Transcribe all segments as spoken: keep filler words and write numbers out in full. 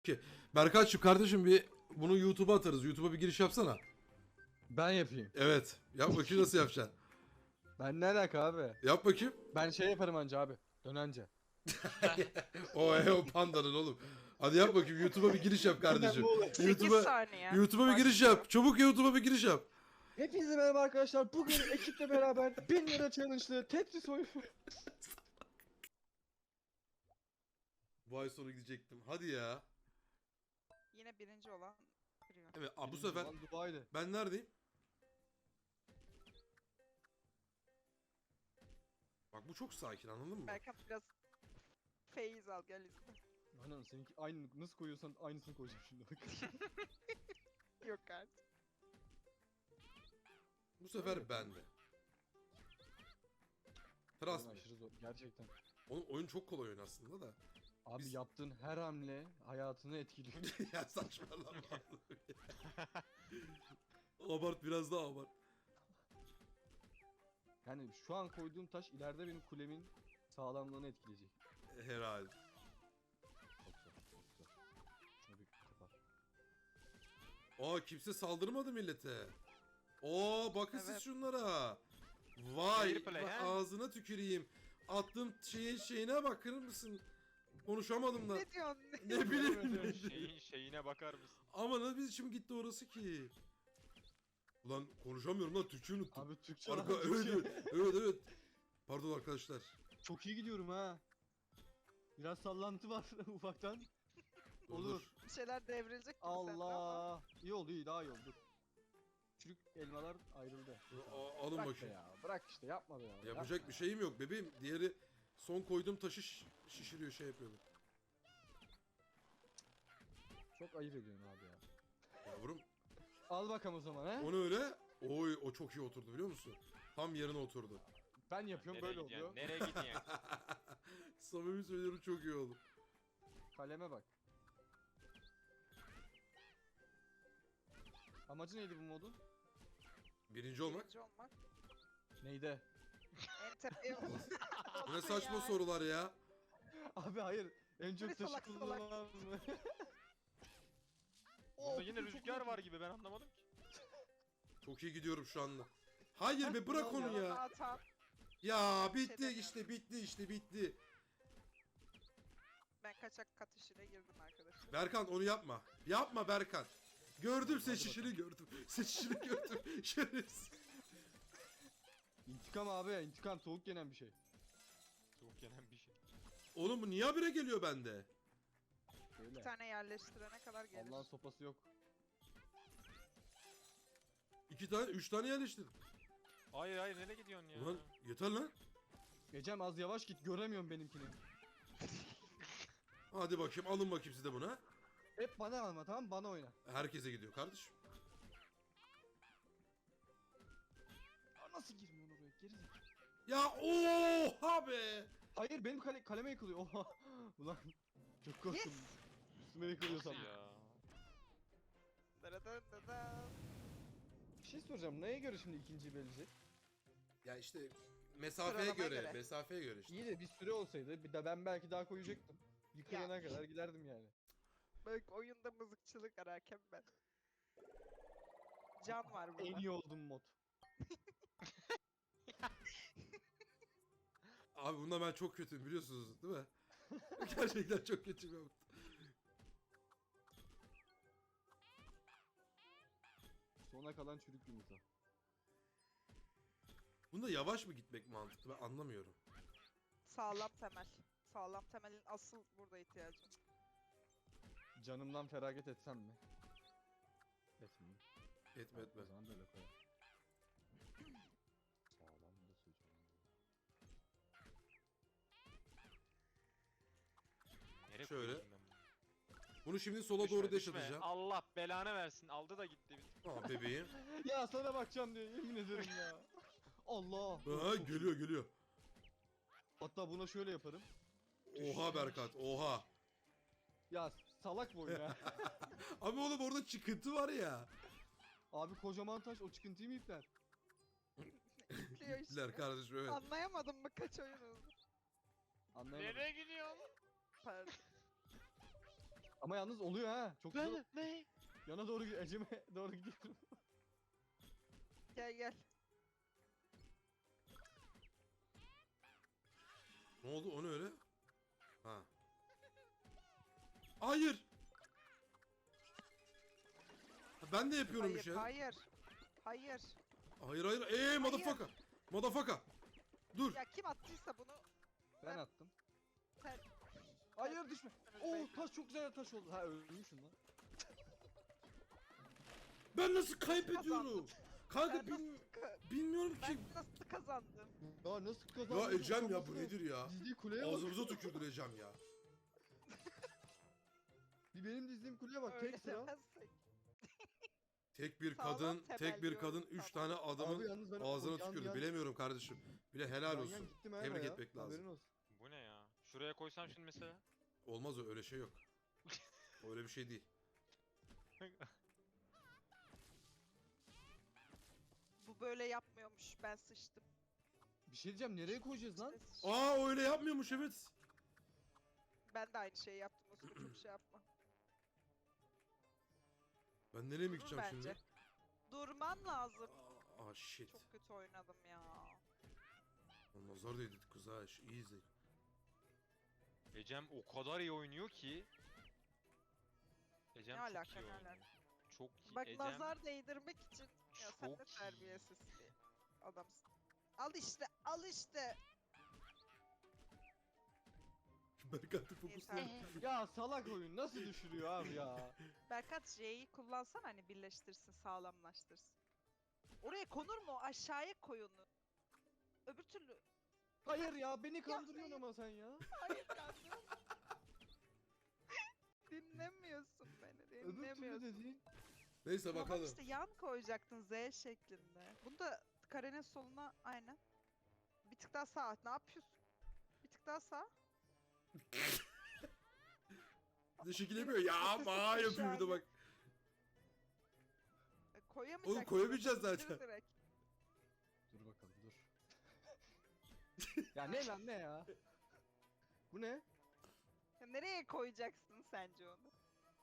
Ki Berkaç'cığım kardeşim bir bunu YouTube'a atarız. YouTube'a bir giriş yapsana. Ben yapayım. Evet. Yap bakayım nasıl yapacaksın. Ben ne alaka abi? Yap bakayım. Ben şey yaparım anca abi. Dönence. O e, o pandanın oğlum. Hadi yap bakayım YouTube'a bir giriş yap kardeşim. sekiz YouTube'a saniye. YouTube'a bir giriş yap. Çabuk YouTube'a bir giriş yap. Hepinize merhaba arkadaşlar. Bugün ekiple beraber bin lira challenge'lı Tetris oyunu. Bu ay sonu gidecektim. Hadi ya. Yine birinci olan kırıyor. Evet, aa, bu sefer Lan Dubai'de. ben neredeyim? Bak bu çok sakin, anladın mı? Berkan biraz feyiz al gel izle. Aynen seninki aynı nasıl koyuyorsan aynısını koyacağım şimdi bak. Yok artık. Bu sefer bende. Trust Oyun me. aşırı zor gerçekten. Oğlum oyun çok kolay oyun aslında da. Abi Biz- yaptığın her hamle hayatını etkiliyor. Ya saçmalama. Abart, biraz daha abart. Yani şu an koyduğum taş ileride benim kulemin sağlamlığını etkileyecek. Herhalde. Çok zor, çok zor. Şunu bir kapar. Aa, kimse saldırmadı millete. Oo, bakın siz Evet. şunlara. Vay, Fair play, va- he? ağzına tüküreyim. Attığım şeyin şeyine bakır mısın? Konuşamadım da. Ne diyorsun? Ne bileyim. ne bileyim. Şeyin şeyine bakar mısın? Ama ne biçim gitti orası ki? Ulan konuşamıyorum lan, Türkçe unuttum. Abi Türkçe Arka, lan, evet, Türkçe. evet, evet, evet. Pardon arkadaşlar. Çok iyi gidiyorum ha. Biraz sallantı var ufaktan. Dur, Olur. dur. Bir şeyler devrilecek gibi sende ama. Allah. İyi oldu, iyi, daha iyi oldu. Çürük elmalar ayrıldı. A- alın Bırak be bakayım. ya. Bırak işte yapma be ya. Yapacak yapma bir ya. şeyim yok bebeğim. Diğeri son koyduğum taşı şiş- şişiriyor, şey yapıyordu. Çok ayıp ediyorsun abi ya. Yavrum, Al bakalım o zaman he. onu öyle. Oy, o çok iyi oturdu biliyor musun? Tam yerine oturdu. Ben yapıyorum böyle oluyor. gidiyorsun? Nereye gidiyorsun? Samimi söylüyorum, çok iyi oldu. Kaleme bak. Amacı neydi bu modun? Birinci olmak. Birinci olmak. Neydi? En tepeye Bu ne saçma Ya. sorular ya. Abi hayır. En çok Bir taşı salak salak. kullanamaz mı? Burada yine rüzgar var gibi, ben anlamadım ki. Çok iyi gidiyorum şu anda. Hayır be, bırak onu Yanına ya. atan. Ya şey bitti demiyorum. işte, bitti işte, bitti. Ben kaçak kat işine girdim arkadaşlar. Berkan onu yapma. Yapma Berkan. Gördüm Hadi seçişini, gördüm. Seçişini gördüm. Şerefsiz. İntikam abi, intikam soğuk yenen bir şey. Soğuk yenen bir şey. Oğlum bu niye habire geliyor bende? Bir Öyle. tane yerleştirene kadar gelir. Allah'ın sopası yok. İki tane, üç tane yerleştirdim. Hayır hayır, nereye gidiyorsun ya? Ulan yeter lan. Ecem az yavaş git, göremiyorum benimkini. Hadi bakayım, alın bakayım siz de buna. Hep bana alma, tamam mı? Bana oyna. Herkese gidiyor kardeşim. Ya nasıl girmiyorsun oraya, gerizekalı. Ya oha be. Hayır, benim kale kaleme yıkılıyor. Oha. Ulan çok korktum. Yes. Üstüme yıkılıyor Nasıl sandım. ya? Daradan dadan. Bir şey soracağım. Neye göre şimdi ikinciyi belirleyecek? Ya işte mesafeye Sıralamaya göre, göre. mesafeye göre işte. İyi de bir süre olsaydı bir de ben belki daha koyacaktım. Yıkılana kadar giderdim yani. Bak oyunda mızıkçılık ararken ben. Can var burada. En iyi oldum mod. Abi bunda ben çok kötüyüm biliyorsunuz değil mi? Gerçekten çok kötüyüm. Sona kalan çürük yumurta. Bunda yavaş mı gitmek mantıklı, ben anlamıyorum. Sağlam temel. Sağlam temelin asıl burada ihtiyacı. Canımdan feragat etsem mi? Etmeyeyim. Etme etme. O zaman böyle koyalım. Sağlam da söyleyeceğim. Nereye Şöyle. koyuyorsun ben bunu? Bunu şimdi sola Düşme, doğru düşme. deşatacağım. Allah belanı versin. Aldı da gitti. Bir. Aa bebeğim. Ya sana bakacağım diye yemin ederim ya. Allah. Aa, geliyor geliyor. Hatta buna şöyle yaparım. Oha Berkat, oha. Ya salak boy ya. Abi oğlum orada çıkıntı var ya. Abi kocaman taş o çıkıntıyı mı ipler? İpliyor işte. Diler kardeşim, evet. Anlayamadın mı kaç oyun oldu? Anlayamadım. Nereye gidiyorsun? Pardon. Ama yalnız oluyor ha. Çok güzel. Ne? Ne? Yana doğru Ecem'e doğru gidiyorum. Gel gel. Ne oldu o ne öyle? Ha. Hayır. Ha, ben de yapıyorum bir Hayır, şey. hayır. Hayır. Hayır hayır. Eee motherfucker. Motherfucker. Dur. Ya kim attıysa bunu Ben attım. sen... Hayır düşme. Sen- Oo belki. taş çok güzel taş oldu. Ha ölmüşsün lan. Ben nasıl kaybediyorum? Kazandım. Kanka Ben bil- nasıl, ka- bilmiyorum ki. ben nasıl kazandım? Ya nasıl kazandın? Ya Ecem ya bu Utanmasın. nedir ya? Dizdiği kuleye bak. Ağzımıza tükürdün Ecem ya. Bir benim dizdiğim kuleye bak. Öyle Tek sıra. demezsek. Tek bir Sağlam kadın, temel tek bir diyorum, kadın üç tamam. tane adamın Abi yalnız ben ağzına o yan tükürdü. yan- Bilemiyorum kardeşim. Bile helal yan yan olsun. gittim ha Tebrik ya. etmek lazım. Haberin olsun. Bu ne ya? Şuraya koysam şimdi mesela. Olmaz o öyle şey yok. Öyle bir şey değil. Bu böyle yapmıyormuş. Ben sıçtım. Bir şey diyeceğim nereye koyacağız lan? İşte sıçtım. Aa öyle yapmıyormuş evet. Ben de aynı şeyi yaptım. O sıra çok şey yapma. Ben nereye mi Dur gideceğim bence. şimdi? Durman lazım. Aa, aa shit. Çok kötü oynadım ya. Lan nazar değdi kız ha. şu- İyi izle. Ecem o kadar iyi oynuyor ki. Ecem Ne çok alaka, iyi ne oynuyor. alaka? Çok iyi. Bak Ecem nazar değdirmek için. Ya sen de çok iyi. terbiyesiz bir adamsın. Al işte, al işte. Berkant'ı fokusla. Yeter. Ya salak oyun nasıl düşürüyor abi ya? Berkat J'yi kullansan hani birleştirsin, sağlamlaştırsın. Oraya konur mu? Aşağıya koy onu. Öbür türlü. Hayır ya beni kandırıyorsun hayır. ama sen ya. Hayır kanka. Dinlemiyorsun beni, Öbür türlü dinlemiyorsun. dediğin. Neyse Ama bakalım. işte yan koyacaktın Z şeklinde. Bunu da karenin soluna aynen. Bir tık daha sağ. Ne yapıyorsun? Bir tık daha sağ. Bir de şekil yapıyor. Ya ma yapıyor bir de bak. E, Koyamayacaksın. Oğlum koyamayacağız İndir zaten. direkt. Dur bakalım dur. Ya ne lan ne ya? Bu ne? Ya nereye koyacaksın sence onu?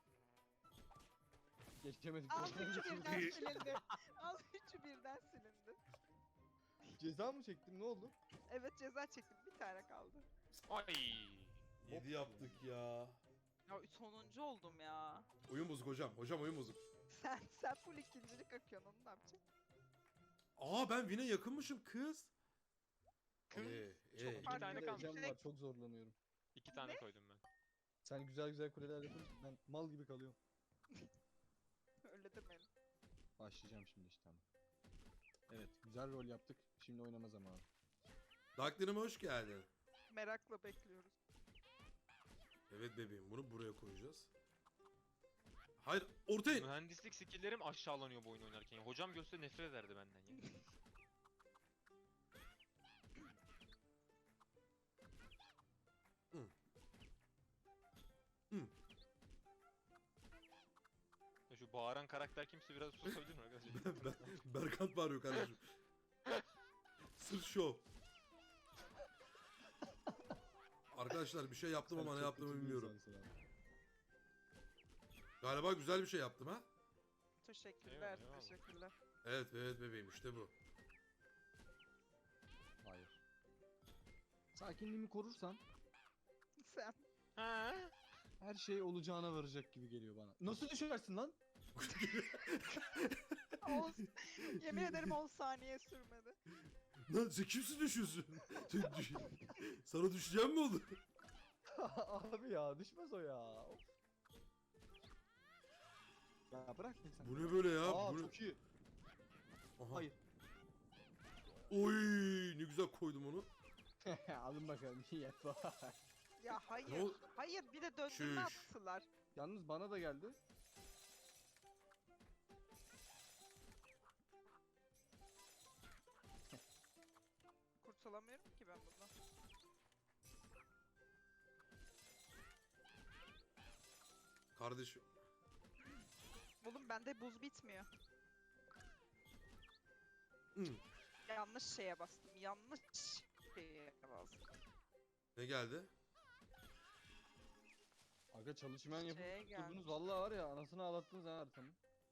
Geçemedik. Al geçemedik. üçü birden silindi. Al üçü birden silindi. Ceza mı çektim ne oldu? Evet ceza çektim. Bir tane kaldı. Ay. Yedi yaptık ya. Ya sonuncu oldum ya. Oyun bozuk hocam. Hocam oyun bozuk. Sen sen full ikincilik akıyorsun onu ne yapacaksın? Aa ben Vin'e yakınmışım kız. Kız. Ee, Çok ee. İki tane Benim de kalmış. Ecem var çok zorlanıyorum. İki tane koydum ben. Sen güzel güzel kuleler yapınca ben mal gibi kalıyorum. Öyle demeyin. Başlayacağım şimdi işte ama. Evet güzel rol yaptık. Şimdi oynama zamanı. Darklerime hoş geldin. Merakla bekliyoruz. Evet bebeğim bunu buraya koyacağız. Hayır ortaya. Mühendislik skill'lerim aşağılanıyor bu oyun oynarken. Ya. Hocam görse nefret ederdi benden ya. Hı. Hı. Ya şu bağıran karakter kimse biraz susabilir mi arkadaşlar? Ben, ben, Berkant bağırıyor kardeşim. Sırf şov. Arkadaşlar bir şey yaptım ama ne Sen çok yaptığımı kötü bir bilmiyorum. insansın abi. Galiba güzel bir şey yaptım ha. Teşekkürler, Eyvallah. teşekkürler. Evet evet bebeğim işte bu. Hayır. Sakinliğimi korursan Sen. Ha? her şey olacağına varacak gibi geliyor bana. Nasıl düşersin lan? On, yemin ederim on saniye sürmedi. Lan sen kimsin düşüyorsun? Sen düş- Sana düşeceğim mi oldu? Abi ya düşmez o ya. Of. Ya bırak sen. Bu ne böyle ya? Aa Bu ne- çok iyi. Aha. Hayır. Oy ne güzel koydum onu. Alın bakalım iyi yap. Ya hayır. Ne ol- Hayır bir de döndürme Şuş. attılar. Yalnız bana da geldi. Kurtulamıyorum ki ben bundan. Kardeşim. Oğlum bende buz bitmiyor. Hı. Yanlış şeye bastım. Yanlış şeye bastım. Ne geldi? Aga çalışmayan yapıp Şeye tutturdunuz gelmiş. vallahi var ya anasını ağlattınız ha haritanın.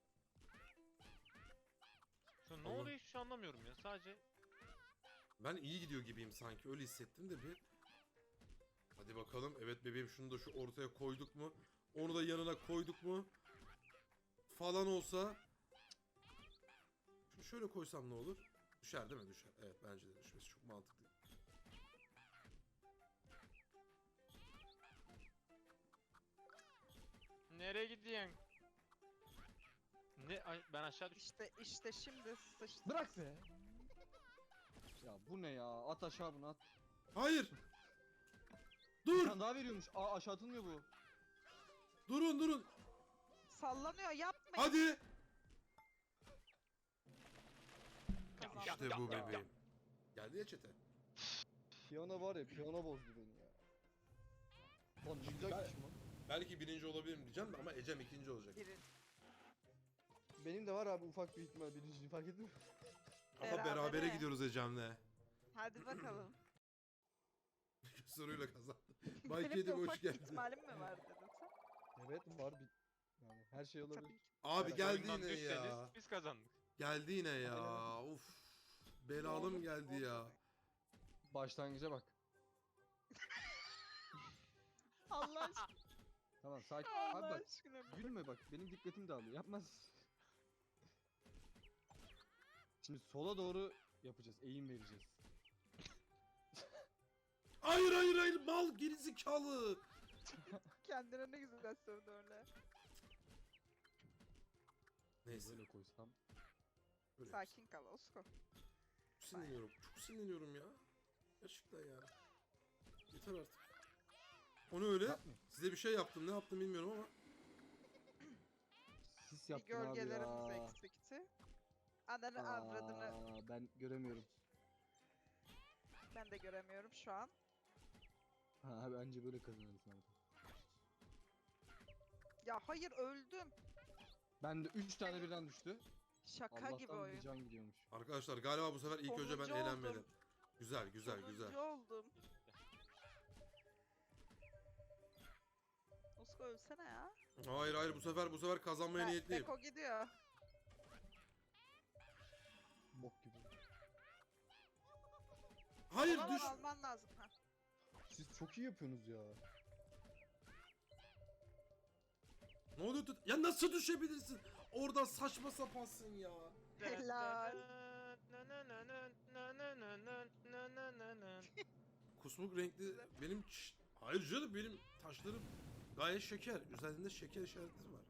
Şu an ne Allah. oluyor hiçbir şey anlamıyorum ya. Sadece Ben iyi gidiyor gibiyim sanki. Öyle hissettim de bir. Hadi bakalım. Evet bebeğim, şunu da şu ortaya koyduk mu? Onu da yanına koyduk mu? Falan olsa. Şunu şöyle koysam ne olur? Düşer değil mi? Düşer. Evet, bence de düşmesi çok mantıklı. nereye gidiyorsun? Ne? Ay, ben aşağı düştüm. İşte işte şimdi sıçtı. Bırak be. Ya bu ne ya? At aşağı bunu at. Hayır! Bir Dur! tane daha veriyormuş. Aa aşağı atılmıyor bu. Durun durun! Sallanıyor, yapmayın. Hadi! Kazandım. İşte bu ya, ya. bebeğim. Geldi ya çete. Piyano var ya piyano bozdu beni ya. Lan ne güzel kişi lan. Belki birinci olabilirim diyeceğim de ama Ecem ikinci olacak. Biri. Benim de var abi ufak bir ihtimal birinciliği fark ettin mi? Ama Berabere. berabere gidiyoruz Ecem'le. Hadi bakalım. Soruyla kazandı. Benim Bay de Kedi hoş ufak geldin. ihtimalim mi var dedin sen? Evet var bir. Yani her şey olabilir. Tabii ki. Abi Evet, geldi Oyundan yine düşseniz ya. biz kazandık. Geldi yine ya. Aynen. Uf. Belalım geldi ya. Başlangıca bak. Allah aşkına. Tamam sakin. Abi Allah bak. aşkına. Gülme bak benim dikkatim dağılıyor. Yapmaz. Şimdi sola doğru yapacağız. Eğim vereceğiz. Hayır hayır hayır, mal gerizekalı. Kendine ne güzel sövdü öyle. Neyse. Böyle koysam. Böyle Sakin kal Osko. Çok sinirleniyorum. Çok sinirleniyorum ya. Gerçekten yani. Yeter artık. Onu öyle. Yapmayın. Size bir şey yaptım. Ne yaptım bilmiyorum ama. Sis Bir yaptın abi gölgelerimiz ya. eksikti. Ananı avradını Aa, ben göremiyorum. ben de göremiyorum şu an. Ha bence böyle kazanırsın abi. Ya hayır öldüm. Ben de üç tane birden düştü. Şaka gibi Allah'tan bir oyun. can gidiyormuş. Arkadaşlar galiba bu sefer ilk önce ben Sonuncu eğlenmedim. oldum. Güzel güzel Sonuncu güzel. oldum. Osko ölsene ya. Hayır hayır, bu sefer bu sefer kazanmaya Be- niyetliyim. Beko gidiyor. Bok gibi. Hayır Ona düş. alman lazım. Ha. Siz çok iyi yapıyorsunuz ya. Ne oluyor? tut- Ya nasıl düşebilirsin? Oradan saçma sapansın ya. Helal. Kusmuk renkli benim ç- hayır canım, benim taşlarım gayet şeker. Üzerinde şeker işaretleri var.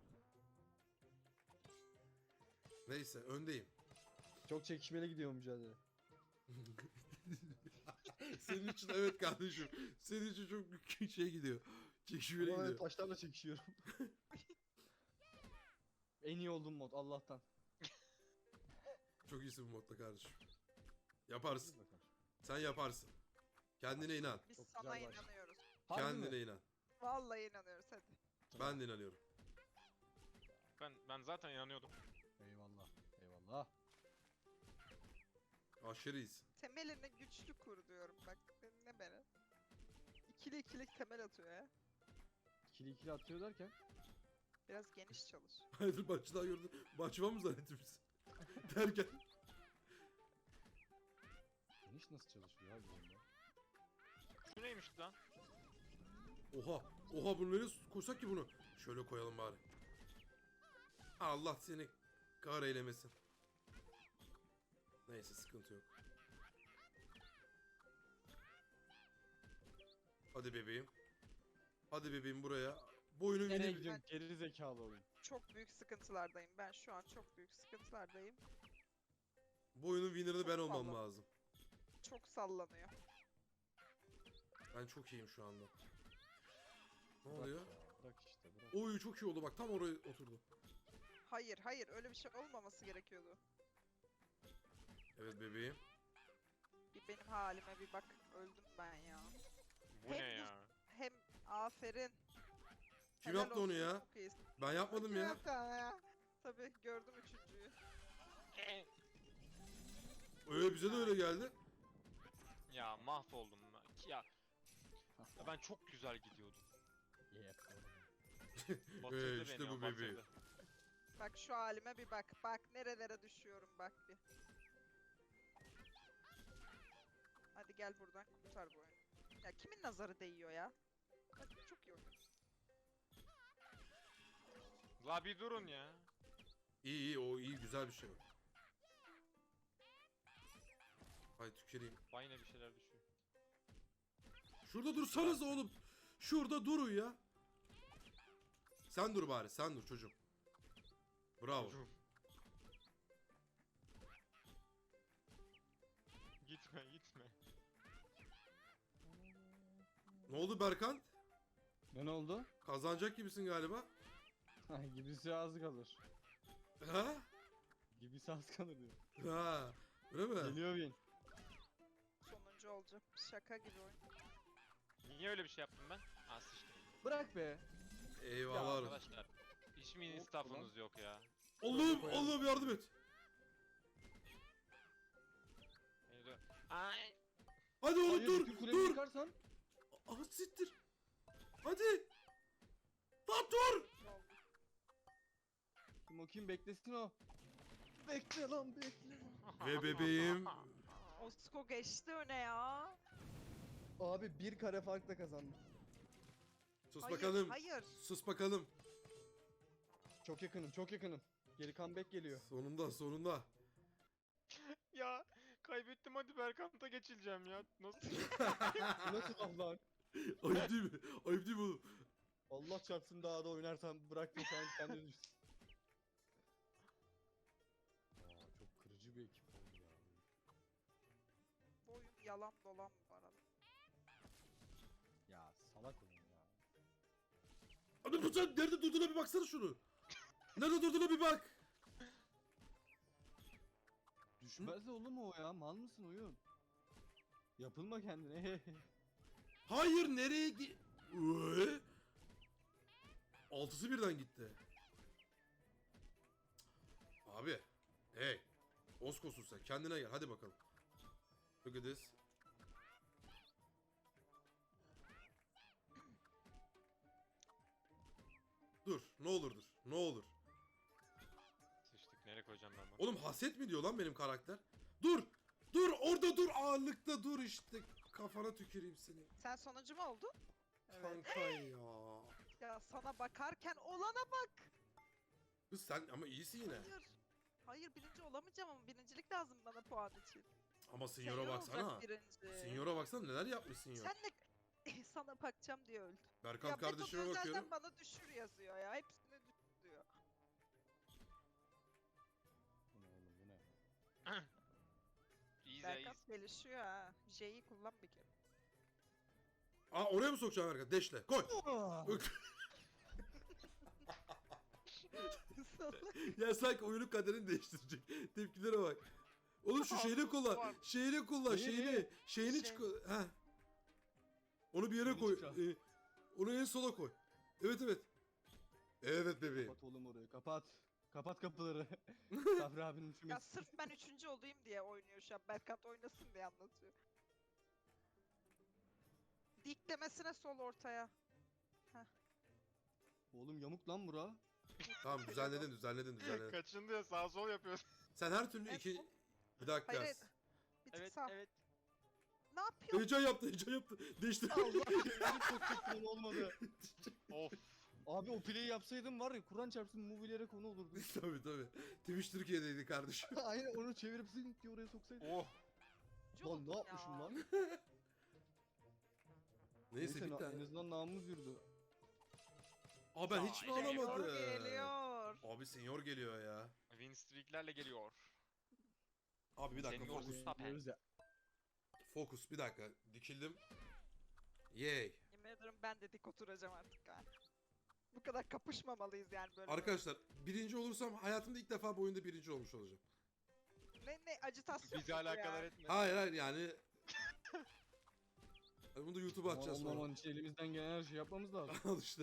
Neyse, öndeyim. Çok çekişmeli gidiyor mücadele. Senin için evet kardeşim. Senin için çok büyük şey gidiyor. Çekişmeli Ama ben gidiyor. taşlarla çekişiyorum. En iyi olduğum mod Allah'tan. Çok iyisin bu modda kardeşim. Yaparsın. Hadi bakalım. Sen yaparsın. Kendine inan. Biz Çok sana güzel baş. inanıyoruz. Harbi Kendine mi? inan. Vallahi inanıyoruz hadi. Ben de inanıyorum. Ben ben zaten inanıyordum. Eyvallah. Eyvallah. Aşırı iyisin. Temelini güçlü kur diyorum bak. Ne beni? İkili ikili temel atıyor ya. İkili ikili atıyor derken. Biraz geniş çalış. Hayır, maçı daha gördün. Maç var mı zannettin biz? Derken. Geniş nasıl çalışıyor abi bunda? Şu neymiş lan? Oha. Oha, bunu nereye koysak ki bunu? Şöyle koyalım bari. Allah seni kahretmesin. Neyse, sıkıntı yok. Hadi bebeğim. Hadi bebeğim buraya. Boyunun Nereye win'i... gidiyorsun geri zekalı oyun. Çok büyük sıkıntılardayım. Ben şu an çok büyük sıkıntılardayım. Boyunun winner'ı ben Çok olmam sağlam. lazım. Çok sallanıyor. Ben çok iyiyim şu anda. Ne Bırak oluyor? ya, Bırak işte bırak. Oy, çok iyi oldu bak, tam oraya oturdu. Hayır hayır öyle bir şey olmaması gerekiyordu. Evet bebeğim. Bir benim halime bir bak. Öldüm ben ya. Bu ne Hem ya? Hem aferin. Kim Helal yaptı onu olsun, ya? Çok iyisin. Ben yapmadım Kim ya. yaptı ya? Tabii gördüm üçüncüyü. Öyle bize de öyle geldi. Ya mahvoldum ben. Ya ya ben çok güzel gidiyordum. Yep. Batırdı Ee, işte beni bu o, bebeğim. batırdı. Bak şu halime bir bak. Bak nerelere düşüyorum bak bir. Hadi gel buradan kurtar bu oyunu. Ya kimin nazarı değiyor ya? Bak çok iyi oynuyorsun. La bir durun ya. İyi iyi o iyi güzel bir şey o. Hay tüküreyim. Vay yine bir şeyler düşüyor. Şurada dursanız oğlum. Şurada durun ya. Sen dur bari sen dur çocuğum. Bravo. Çocuğum. Gitme gitme. Ne oldu Berkan? Ne oldu? Kazanacak gibisin galiba. Ha, gibisi az kalır. Ha? Gibisi az kalır diyor. Ha. Öyle mi? Geliyor win. Sonuncu olacak. Şaka gibi oyun. Niye öyle bir şey yaptım ben? Aa sıçtım. Bırak be. Eyvallah. olsun. Arkadaşlar. Hiç mi instafınız yok ya? Allah'ım Allah'ım yardım et. Neydi? Ay. Hadi oğlum Hayır, dur bütün kuleyi dur. yıkarsan. Ah siktir. Hadi. Lan dur. Ne oldu? Kim o kim beklesin o. Bekle lan bekle. Ve bebeğim. Osko geçti öne ya. Abi bir kare farkla kazandım. Sus Hayır, bakalım. hayır. Sus bakalım. Çok yakınım çok yakınım. Geri comeback geliyor. Sonunda sonunda. Ya kaybettim, hadi Berkant'a geçileceğim ya. Nasıl? Bu nasıl laf lan? Ayıp değil mi? Ayıp değil mi oğlum? Allah çarpsın daha da oynarsan bıraktım sen kendini düşsün. Aa, çok kırıcı bir ekip oldu ya. Bu oyun yalan dolan bu arada. Ya salak oyun ya. Abi bu sen nerede durduğuna bir baksana şunu. Nerede durduğuna bir bak. Düşmez de oğlum o ya. Mal mısın oyun? Yapılma kendine. Hayır nereye gi... Uee? Altısı birden gitti. Abi. Hey. Oskosun sen. Kendine gel. Hadi bakalım. Look at this. Dur. Ne olur dur. Ne olur. Sıçtık, nereye koyacağım ben bunu? Oğlum haset mi diyor lan benim karakter? Dur. Dur orada dur. Ağırlıkta dur işte. Kafana tüküreyim seni. Sen sonuncu mu oldun? Evet. Kanka ya. Ya sana bakarken olana bak. Kız sen ama iyisin yine. Hayır. Hayır birinci olamayacağım ama birincilik lazım bana puan için. Ama Sinyor'a Senior baksana. olacak birinci. Sinyor'a baksana neler yapmış Sinyor. Sen de sana bakacağım diye öldüm. Berkan Ya kardeşime Beto bakıyorum. zaten bana düşür yazıyor ya. Hepsine düşür diyor. Bu ne oğlum bu ne? İyi de Berkan iyi. gelişiyor ha. J'yi kullan bir kere. Aa oraya mı sokacağım Berkan? Deşle. Koy. Ya sanki oyunun kaderini değiştirecek. Tepkilere bak. Oğlum şu şeyini kullan. Şeyini kullan. Neyi, Şeyini. neyi? Şeyini Şey. çık. Ha. Onu bir yere Şeyini koy. çıkar. Ee, onu en sola koy. Evet evet. Evet bebeğim. Kapat oğlum orayı kapat. Kapat kapıları. Sabri abinin Ya üşümesi. sırf ben üçüncü olayım diye oynuyor şu an. Berkant oynasın diye anlatıyor. Diklemesine sol ortaya. Oğlum yamuk lan bura. Tamam düzenledin düzenledin düzenledin. Kaçındı ya, sağ sol yapıyorsun. Sen her türlü En iki... son- Bir dakika. Hayır, hayır. Bir tık Evet sağ. evet. Ne yapıyorsun? Heyecan yaptı heyecan yaptı. Değiştir. Allah benim çok kötü olmadı. Of. Abi o play'i yapsaydım var ya Kur'an çarpsın movielere konu olurdu. tabii tabii. Twitch Türkiye'deydi kardeşim. Aynen onu çevirip zınk diye oraya soksaydım. Oh. Üçüncü Lan ne oldum yapmışım ya. lan? Neyse Neyse bir na- en tane. azından namımız yürüdü. Aa ben hiç mi Ay, Geliyor, alamadım? geliyor. Abi senior geliyor ya. Win streak'lerle geliyor. Abi bir dakika Senior fokus. Mustafa. Diyoruz ya. Fokus bir dakika. Dikildim. Yay. Yemin ederim ben de dik oturacağım artık ha. Bu kadar kapışmamalıyız yani böyle. Arkadaşlar birinci olursam hayatımda ilk defa bu oyunda birinci olmuş olacağım. Ne ne acitasyon Bizi mu bu alakadar ya? etmez. Hayır hayır yani. Bunu da YouTube'a atacağız Aman sonra. aman işte elimizden gelen her şeyi yapmamız lazım. Al işte.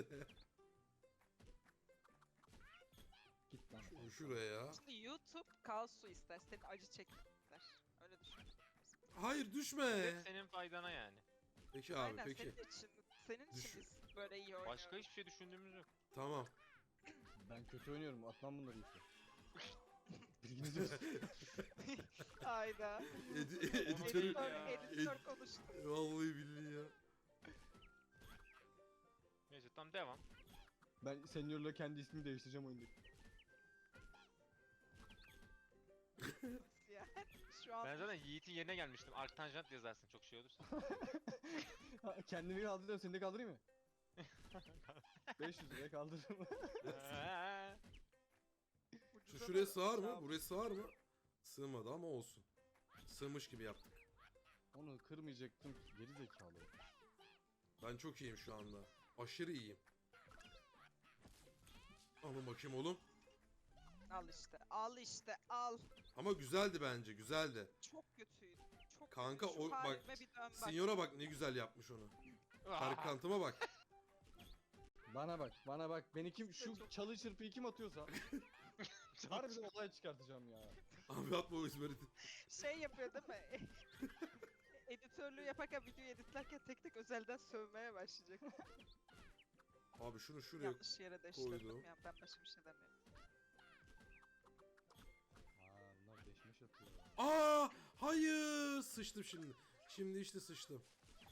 Git lan. Şu- Şuraya ya. Şimdi YouTube kaosu ister, senin acı çekmek ister. Öyle düşün. Hayır düşme. Hep senin faydana yani. Peki abi Aynen peki. senin için, senin Düş- için biz böyle iyi oynuyorum. Başka hiçbir şey düşündüğümüz yok. Tamam. Ben kötü oynuyorum. Atmam bunları işte. Bilginiz olsun. Hayda. Edi Editör- editörü... Editör, ya. editör konuştu. Vallahi billahi ya. Neyse tamam devam. Ben Senior'la kendi ismimi değiştireceğim oyundaki. Yani şu an Ben zaten Yiğit'in yerine gelmiştim. Arctanjant yazarsın çok şey olursa. Ha, kendimi kaldırıyorum, seni de kaldırayım mı? beş yüz liraya kaldırırım. Eee, Şu ucuza şuraya da sığar şey mı? yap- Buraya sığar mı? Sığmadı ama olsun. Sığmış gibi yaptık. Onu kırmayacaktım ki, geri zekalı. Ben çok iyiyim şu anda. Aşırı iyiyim. Alın bakayım oğlum. Al işte, al işte, al. Ama güzeldi bence, güzeldi. Çok kötüydü. Çok Kanka, kötü. Şu o- bak, halime bir dön bak. Signora bak ne güzel yapmış onu. Karkantıma bak. Bana bak, bana bak. Beni kim, İşte şu çok- çalı çırpıyı kim atıyorsa harbiden olay çıkartacağım ya. Abi atma o İzmir'i. Şey yapıyor değil mi? Editörlüğü yaparken, videoyu editlerken tek tek özelden sövmeye başlayacak. Abi şunu şuraya... Yanlış yere deşledim koydum. ya, ben başka bir şey demiyorum. Aa, bunlar deşmeş atıyor. Aa, hayır, sıçtım şimdi. Şimdi işte sıçtım.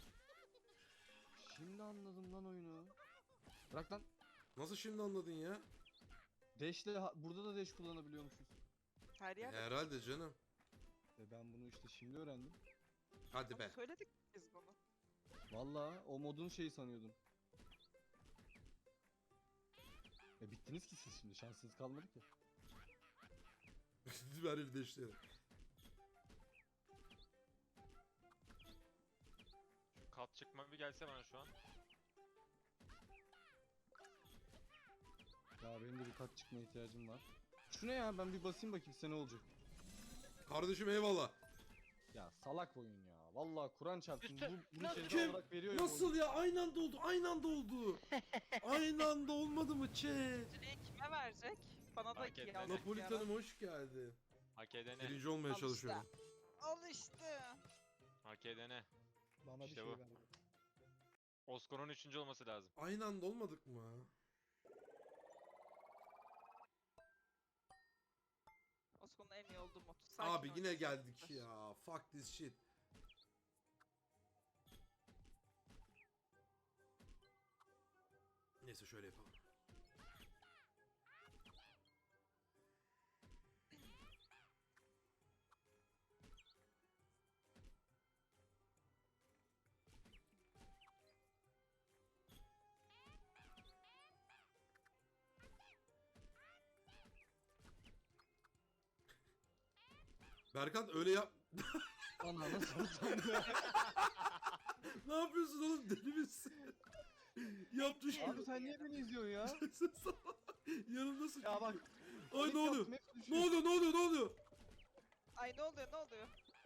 Şimdi anladım lan oyunu. Bırak lan. Nasıl şimdi anladın ya? Dash'le ha- burada da dash kullanabiliyormuşuz. Her yerde Herhalde canım. Ve ben bunu işte şimdi öğrendim. Hadi Ama be. söyledik biz bunu. Vallahi o modun şeyi sanıyordum. E bittiniz ki siz şimdi, şanssız kalmadı ki. Ver el deşleri. Şu kat çıkma bir gelse bana şu an. Ya benim de bir kat çıkma ihtiyacım var. Şu ne ya, ben bir basayım bakayım size ne olacak. Kardeşim eyvallah. Ya salak oyun ya. Vallahi Kur'an çarpsın, Üstü- bu bunu Nasıl- ceza Kim? olarak veriyor ya bu Nasıl oyun. ya? Aynı anda oldu. Aynı anda oldu. Aynı anda olmadı mı chat? Birinciliği kime verecek? Bana da Hak iki etti. alacak Napolitan'ım hoş geldin. Hak edene. Birinci olmaya Al çalışıyorum. Al işte. Hak edene. Bana İşte bir şey bu. verdi. Oscar'ın üçüncü olması lazım. Aynı anda olmadık mı? Osman'ın en iyi olduğu mod. Abi yine oynasın. geldik ya. Fuck this shit. Neyse şöyle yapalım. Berkan öyle yap. Ana nasıl utandı? Ne yapıyorsun oğlum, deli misin? Yaptı şu. Abi sen niye beni izliyorsun ya? Yanımda sıç. Ya bak. Ay ilk ne oluyor? yaptım, hepsi Ne düşüyor. oluyor? Ne oluyor? Ne oluyor? Ay ne oluyor ne oluyor?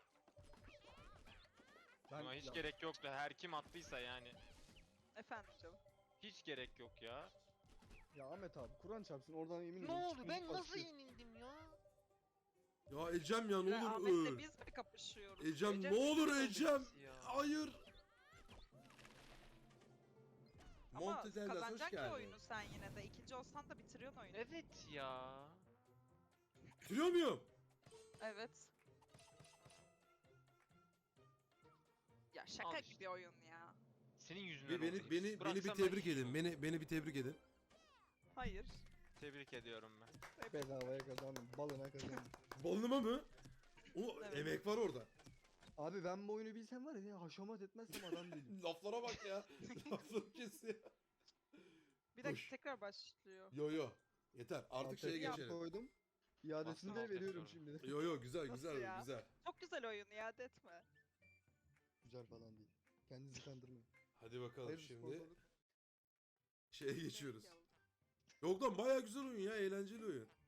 Ben, Buna hiç ya, gerek yoktu. Her kim attıysa yani. Efendim canım. Hiç gerek yok ya. ya Ahmet abi Kur'an çarpsın, oradan yemin Ne ederim oldu? çıkmış Ben nasıl başlıyor. yenildim ya? Ya Ecem ya ne Ve olur Ahmet'le öl. biz mi kapışıyoruz? Ecem Ece- ne olur Nasıl Ecem. ya? Hayır. Ama Montedellas hoş kazanacaksın ki geldin. oyunu sen yine de. İkinci olsan da bitiriyorsun oyunu. Evet ya. Bitiriyor muyum? Evet. Ya şaka Al işte. gibi oyun ya. Senin yüzünden Be- beni oldu. beni beni bir Bıraksam ben tebrik hiç edin. olmam. Beni beni bir tebrik edin. Hayır. Tebrik ediyorum ben. Bedavaya kazandım, balına kazandım. Balınıma mı? O Evet. emek var orada. Abi ben bu oyunu bilsem var ya, haşamat etmezsem adam değilim. Laflara bak ya. Lafları kes ya. Bir dakika Hoş. tekrar başlıyor. Yo yo. Yeter. Artık şeye Alt F geçelim. koydum. İadesini Bastım de alt F veriyorum sonra. şimdi. Yo yo güzel Nasıl güzel ya? güzel. Çok güzel oyun, iade etme. Güzel falan değil. Kendinizi kandırmayın. Hadi bakalım Hayır, şimdi sponsorluk. şeye geçiyoruz. Renk yavrum. Yok lan bayağı güzel oyun ya, eğlenceli oyun.